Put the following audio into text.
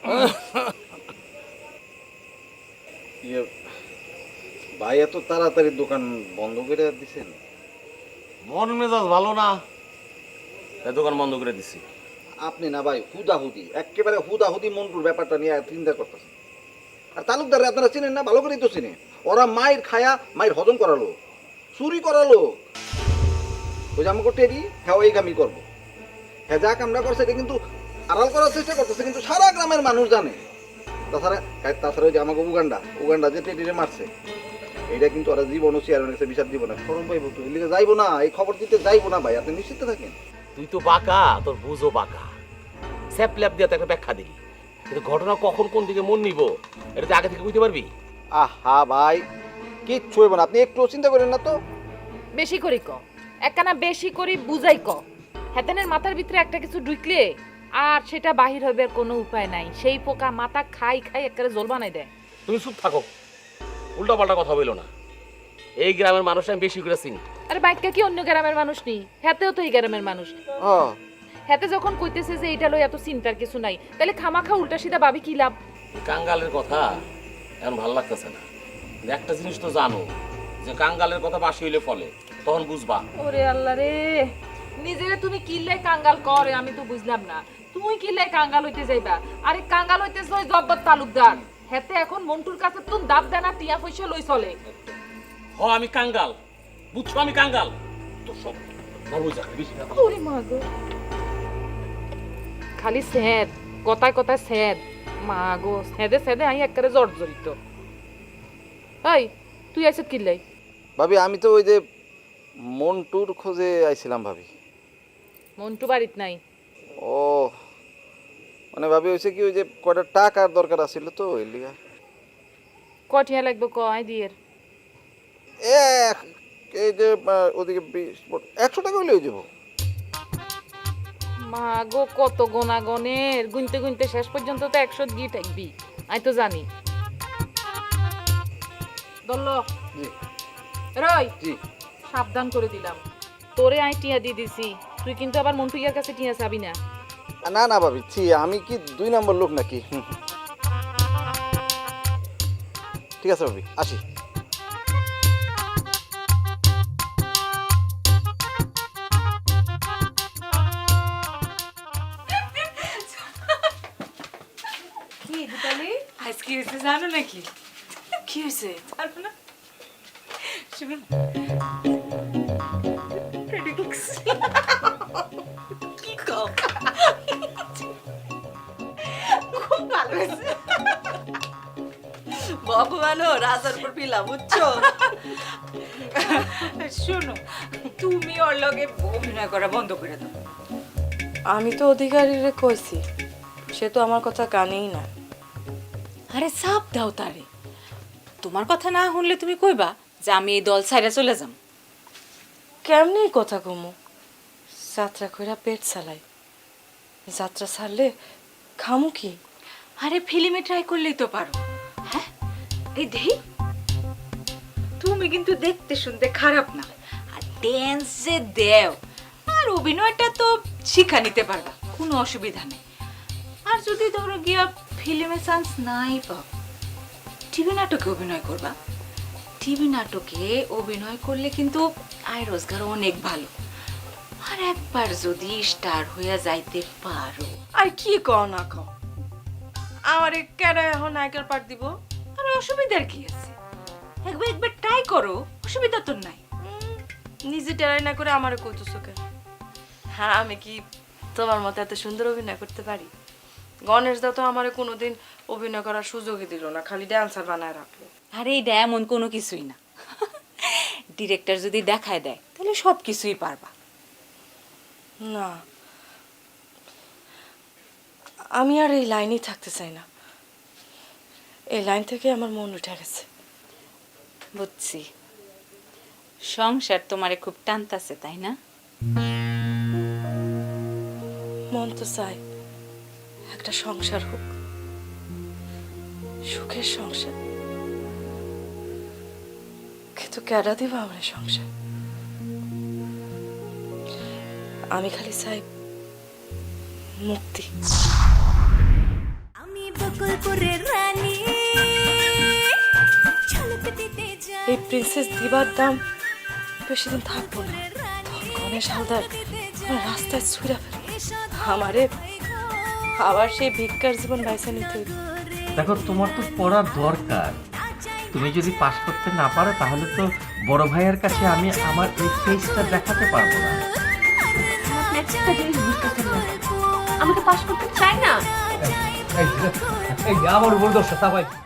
ইয়ে, ভাই এত তাড়াতাড়ি দোকান বন্ধ করে দিছেন? মন মেজাজ ভালো না, তাই দোকান বন্ধ করে দিছি। আপনি না ভাই হুদাহুদি, একেবারে হুদাহুদি মন্টুর ব্যাপারটা নিয়ে চিন্তা করতেছেন। আর তালুকদার আপনারা চিনেন না, ভালো করেই তো চিনে। ওরা মায়ের খায়া মায়ের হজম করালো, চুরি করালো। ওই যে আমাকে টেরি হ্যাঁ এই কামই করবো। হ্যাঁ যা কামরা করছে এটা কিন্তু আড়াল করার চেষ্টা করতেছে, কিন্তু সারা গ্রামের মানুষ জানে। তাছাড়া তাছাড়া ওই যে আমাকে উগান্ডা যে টেরিরে মারছে, এটা কিন্তু ওরা জীবনও চেয়ারম্যানের কাছে বিচার দিব না, সরম পাইব তো, এর লিগে যাইবো না, এই খবর দিতে যাইবো না ভাই, আপনি নিশ্চিত থাকেন। তুই তো বাঁকা, তোর বুঝো বাঁকা, স্যাপ ল্যাপ দিয়ে তো একটা ব্যাখ্যা দিলি, কিন্তু ঘটনা কখন কোন দিকে মন নিব এটা তুই আগে থেকে বুঝতে পারবি? আহা ভাই কিচ্ছু হইব না, আপনি একটু চিন্তা করেন না তো। বেশি করি ক, একখানা বেশি করি বুঝাই ক। হেতেনের মাথার ভিতরে একটা কিছু ঢুকলে আর সেটা বাহির হইবার কোনো উপায় নাই। সেই পোকা মাথা খাই খাই একেবারে জল বানাই দেয়। তুমি চুপ থাকো, উল্টা পাল্টা কথা বলো না। এই গ্রামের মানুষ আমি বেশি করে চিনি। আরে বাইকা কি অন্য গ্রামের মানুষ নেই, হেতেও তো এই গ্রামের মানুষ। হেতে যখন কইতেছে যে এটা লই এত চিন্তার কিছু নাই, তাহলে খামাখা উল্টা সিধা ভাবি কি লাভ? কাঙ্গালের কথা এখন ভালো লাগতেছে না। একটা জিনিস তো জানো, যে কাঙ্গালের কথা বাসি হইলে ফলে, তখন বুঝবা। ওরে আল্লাহ রে, নিজেরে তুমি কিল্লাই কাঙ্গাল করে আমি তো বুঝলাম না। তুই কিল্লাই কাঙ্গাল হইতে যাইবা? আরে কাঙ্গাল হইতেছ ওই জব্বর তালুকদার। হেতে এখন মন্টুর কাছে তুই দাব দেনা টিয়া পয়সা লই চলে। আমি কাঙ্গাল, বুঝছো? আমি কাঙ্গাল তো সব ভালো জায়গা বেশি কথা। ওরে মা গো, খালি স্যাদ, কথায় কথায় স্যাদ। মা গো, স্যাদে স্যাদে আমি একেবারে জর্জরিত। এই তুই আইছত কিল্লাই? ভাবি আমি তো ওই যে মন্টুর খোঁজে আইছিলাম ভাবি। মন্টু বাড়িত নাই? ও মানে ভাবি হয়েছে কি, ওই যে কয়টা টাকার দরকার আছিল তো ওই লিগা। কটিয়া লাগবে ক আই দিয়ের? এই যে ওদিকে 100 টাকা হলে হয়ে যাবো। মা গো, কত গোনাগনের, গুনতে গুনতে শেষ পর্যন্ত তো 100 গিয়ে থাকবি। আই তো জানি। দল্লো জি রই, জি। সাবধান করে দিলাম, তোরে আই টিয়া দিয়ে দিছি, তুই কিন্তু আবার মন্টু ইয়ার কাছে টিয়া চাবি না। না না ভাবি, আমি কি 2 নম্বর লোক নাকি? ঠিক আছে ভাবি, আসি। কি দুটালি আজ কি হয়েছে জানো নাকি? কি হয়েছে? পারবো না, শুনুন। কি কও? খুব ভালো হয়েছে। ভগবানও রাজার উপর পিলা, বুঝছো? শোনো, তুমি ওর লগে অভিনয় করা বন্ধ করে দাও। আমি তো অধিকারীরে কইছি, সে তো আমার কথা কানেই না। আরে চাপ দাও তারে। তোমার কথা না শুনলে তুমি কইবা যে আমি এই দল ছাইরা চলে যাম। কেমনি কথা কমু? যাত্রা কইরা পেট চালাই, যাত্রা ছাড়লে খামু কি? আরে ফিল্মে ট্রাই করলেই তো পারো। হ্যাঁ, এই দেহি, তুমি কিন্তু দেখতে শুনতে খারাপ না, আর ড্যান্স যে দেও, আর অভিনয়টা তো শিখা নিতে পারবা, কোনো অসুবিধা নেই। আর যদি ধরো গিয়া ফিল্মে চান্স নাই পাও, টিভি নাটকে অভিনয় করবা। টিভি নাটকে অভিনয় করলে কিন্তু আয় রোজগার অনেক ভালো। আর একবার যদি স্টার হইয়া যাইতে পারো। আর কি কও না কও, আমারে কেন এখন নায়কের পাঠ দিব? আরে অসুবিধার কি আছে? একবার একবার ট্রাই করো, অসুবিধা তো নাই। নিজে টেরাই না করে আমারে কইতেছো কেন? হ্যাঁ, আমি কি তোমার মতো এত সুন্দর অভিনয় করতে পারি? গণেশ দা তো আমারে কোনোদিন অভিনয় করার সুযোগই দিল না, খালি ড্যান্সার বানায় রাখলো। আরে এটা এমন কোনো কিছুই না। ডিরেক্টর যদি দেখায় দেয় তাহলে সব কিছুই পারবা। না, আমি আর এই লাইনেই থাকতে চাই না। এই লাইন থেকে আমার মন উঠে গেছে। বুঝছি, সংসার তোমারে খুব টানতাছে, তাই না? মন তো চাই একটা সংসার হোক, সুখের সংসার, কিন্তু কেডা দিবা আমার সংসার? আমি খালি চাই মুক্তি। আমি এই প্রিন্সেস দিবার দাম বেশি দিন থাকবো না। তখন গণেশ হালদার আমার রাস্তায় ছুঁড়া ফেলবে আমারে, আবার সেই ভিক্ষার জীবন বাইসা নিতে হইবে। দেখো তোমার তো পড়ার দরকার, তুমি যদি পাস করতে না পারো তাহলে তো বড় ভাইয়ের কাছে আমি আমার এই ফেসটা দেখাতে পারবো না। আমি তো পাস করতে চাই না। এই আমার উপর দোষটা সবাই